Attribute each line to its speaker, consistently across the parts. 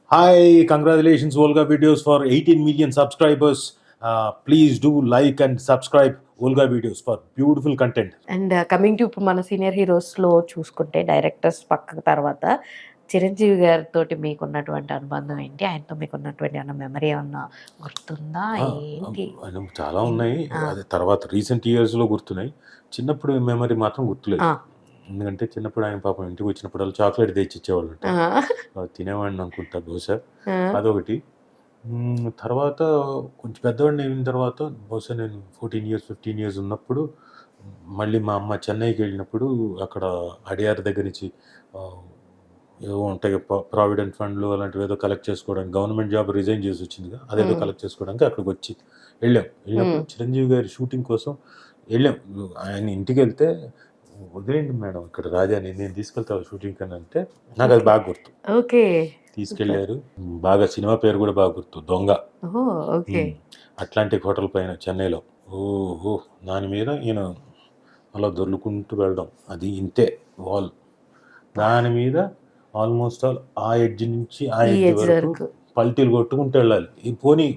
Speaker 1: Hi, congratulations, Volga Videos, for 18 million subscribers. Please do like and subscribe Volga Videos for beautiful content.
Speaker 2: And coming to ఇప్పుడు మన senior హీరోస్లో చూసుకుంటే directors పక్క తర్వాత చిరంజీవి గారితో మీకున్నటువంటి అనుబంధం ఏంటి? ఆయనతో మీకున్నటువంటి ఏమన్నా మెమరీ ఏమన్నా గుర్తుందా? ఏంటి?
Speaker 1: చాలా ఉన్నాయి. అది తర్వాత రీసెంట్ ఇయర్స్లో గుర్తున్నాయి. చిన్నప్పుడు మెమరీ మాత్రం గుర్తులేదు. ఎందుకంటే చిన్నప్పుడు ఆయన పాపం ఇంటికి వచ్చినప్పుడు చాక్లెట్ తెచ్చి ఇచ్చేవాళ్ళు, తినేవాడిని అనుకుంటా బహుశా. అదొకటి. తర్వాత కొంచెం పెద్దవాడిని అయిన తర్వాత బహుశా నేను 14 years 15 years ఉన్నప్పుడు మళ్ళీ మా అమ్మ చెన్నైకి వెళ్ళినప్పుడు అక్కడ అడియార్ దగ్గర నుంచి ఏవో ఉంటాయి ప్రావిడెంట్ ఫండ్లు అలాంటివి ఏదో కలెక్ట్ చేసుకోవడానికి, గవర్నమెంట్ జాబ్ రిజైన్ చేసి వచ్చిందిగా, అదేదో కలెక్ట్ చేసుకోవడానికి అక్కడికి వచ్చి వెళ్ళినప్పుడు చిరంజీవి గారి షూటింగ్ కోసం వెళ్ళాం. ఆయన ఇంటికి వెళ్తే వదిలేండి మేడం ఇక్కడ రాజాని, నేను తీసుకెళ్తాను షూటింగ్ అని అంటే నాకు అది బాగా గుర్తు.
Speaker 2: ఓకే,
Speaker 1: తీసుకెళ్లారు. బాగా సినిమా పేరు కూడా బాగా గుర్తు, దొంగ. అట్లాంటిక్ హోటల్ పైన చెన్నైలో. ఓహో, దాని మీద ఈయన అలా దొర్లుకుంటూ వెళ్ళడం, అది ఇంతే వాల్, దాని మీద ఆల్మోస్ట్ ఆల్ ఆ ఎడ్జ్ నుంచి ఆ ఎడ్జ్ వరకు పల్టీలు కొట్టుకుంటూ వెళ్ళాలి. ఈ పోనీ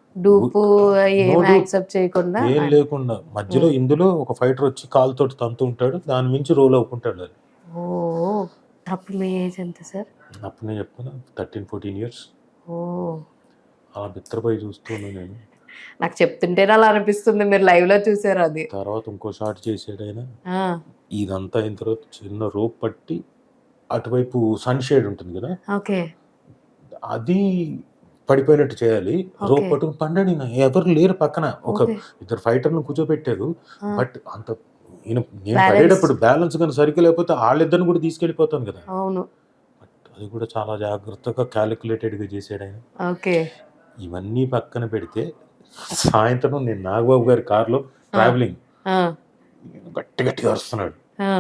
Speaker 1: ఏం లేకుండా మధ్యలో ఇందులో ఒక ఫైటర్ వచ్చి కాలుతో తంతు ఉంటాడు, దాని మించి రోల్ అవ్వుకుంటాడు.
Speaker 2: అప్పుడు మీ ఏజ్ ఎంత సార్?
Speaker 1: అప్పుడు నేను చెప్తున్నా 13-14 years. అలా బిత్తరపై చూస్తున్నాను నేను.
Speaker 2: నాకు చెప్తుంటేనే అలా అనిపిస్తుంది, మీరు లైవ్ లో చూసారు అది.
Speaker 1: తర్వాత ఇంకో షాట్ చేసాడు ఆయన. ఇదంతా అయిన తర్వాత చిన్న రోప్ పట్టి అటువైపు సన్ షేడ్ ఉంటుంది కదా, అది పడిపోయినట్టు చేయాలి. రోప్ పట్టుకుని పండండి, ఎవరు లేరు పక్కన, ఒక ఇద్దరు ఫైటర్ను కూర్చోబెట్టారు. బట్ అంత నేను పడేటప్పుడు బ్యాలెన్స్ కానీ సరిగ్గా లేకపోతే వాళ్ళిద్దరిని కూడా తీసుకెళ్ళిపోతాను కదా. బట్ అది కూడా చాలా జాగ్రత్తగా క్యాలిక్యులేటెడ్గా చేసాడు ఆయన. ఇవన్నీ పక్కన పెడితే సాయంత్రం నేను నాగబాబు గారి కార్లో ట్రావెలింగ్, గట్టి గట్టిగా అరుస్తున్నాడు,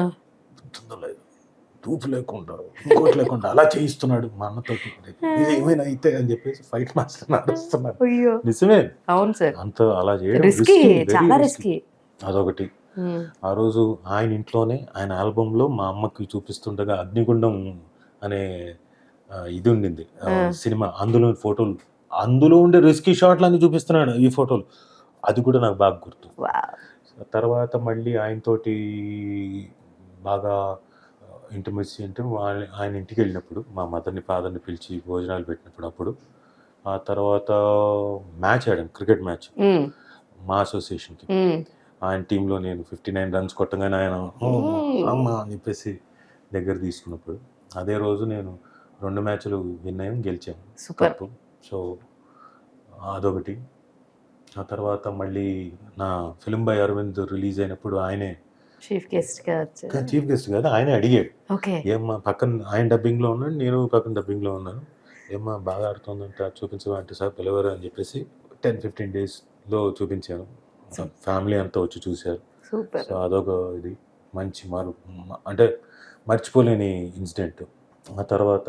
Speaker 1: తూపు లేకుండా ఇంకోటి లేకుండా అలా చేయిస్తున్నాడు మా అన్నతో. ఇది ఏమైనా అయితే అని చెప్పేసి ఫైట్ మాస్టర్ నడుస్తున్నాడు. నిజమే,
Speaker 2: అవును సార్,
Speaker 1: అంత అలా చేయడం రిస్కీ. అదొకటి. ఆ రోజు ఆయన ఇంట్లోనే ఆయన ఆల్బంలో మా అమ్మకి చూపిస్తుండగా అగ్నిగుండం అనే ఇది ఉండింది సినిమా, అందులో ఫోటోలు, అందులో ఉండే రిస్కీ షాట్లు అన్ని చూపిస్తున్నాడు ఈ ఫోటోలు. అది కూడా నాకు బాగా గుర్తు. తర్వాత మళ్ళీ ఆయనతోటి బాగా ఇంటిమసీ అంటే ఆయన ఇంటికి వెళ్ళినప్పుడు మా మదర్ని ఫాదర్ని పిలిచి భోజనాలు పెట్టినప్పుడు, అప్పుడు ఆ తర్వాత మ్యాచ్ ఆడాం, క్రికెట్ మ్యాచ్ మా అసోసియేషన్కి. ఆయన టీంలో నేను 59 runs కొట్టగానే ఆయన అమ్మ అని చెప్పేసి దగ్గర తీసుకున్నప్పుడు, అదే రోజు నేను 2 మ్యాచ్లు విన్ అయ్యాం, గెలిచాను కప్పు. సో అదొకటి. ఆ తర్వాత మళ్ళీ నా ఫిలిం బై అరవింద్ రిలీజ్ అయినప్పుడు ఆయనే చీఫ్ గెస్ట్ కాదు, ఆయనే అడిగాడు, ఏమ్మా పక్కన ఆయన డబ్బింగ్లో ఉన్నాడు, నేను పక్కన డబ్బింగ్లో ఉన్నాను, ఏమ్మా బాగా ఆడుతుందంటే చూపించవా అంటే, సార్ పిలవరు అని చెప్పేసి 10-15 daysలో చూపించాను. ఫ్యామిలీ అంతా వచ్చి చూశారు. సో అదొక ఇది మంచి అంటే మర్చిపోలేని ఇన్సిడెంట్. ఆ తర్వాత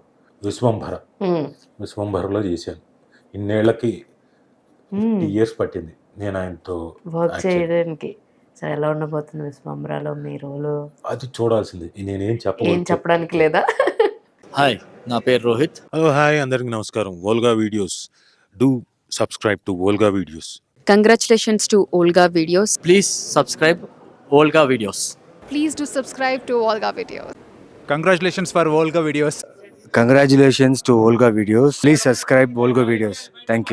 Speaker 1: విశ్వంభరలో చేశాను. ఇన్నేళ్లకి 50 years పట్టింది నేను ఆయనతో
Speaker 2: వర్క్ చేయడానికి. సరే, ఎలా ఉండబోతుంది విశ్వంభరలో మీ రోలు?
Speaker 1: అది చూడాల్సింది, నేనేం
Speaker 2: చెప్పడానికి లేదా.
Speaker 3: హాయ్, నా పేరు రోహిత్.
Speaker 1: హలో, హాయ్, అందరికి నమస్కారం. Volga videos, do subscribe to Volga videos.
Speaker 4: Congratulations to Olga Videos.
Speaker 3: Please subscribe Olga Videos.
Speaker 5: Please do subscribe to Olga Videos.
Speaker 6: Congratulations for Olga Videos.
Speaker 7: Congratulations to Olga Videos. Please subscribe Olga Videos. Thank you.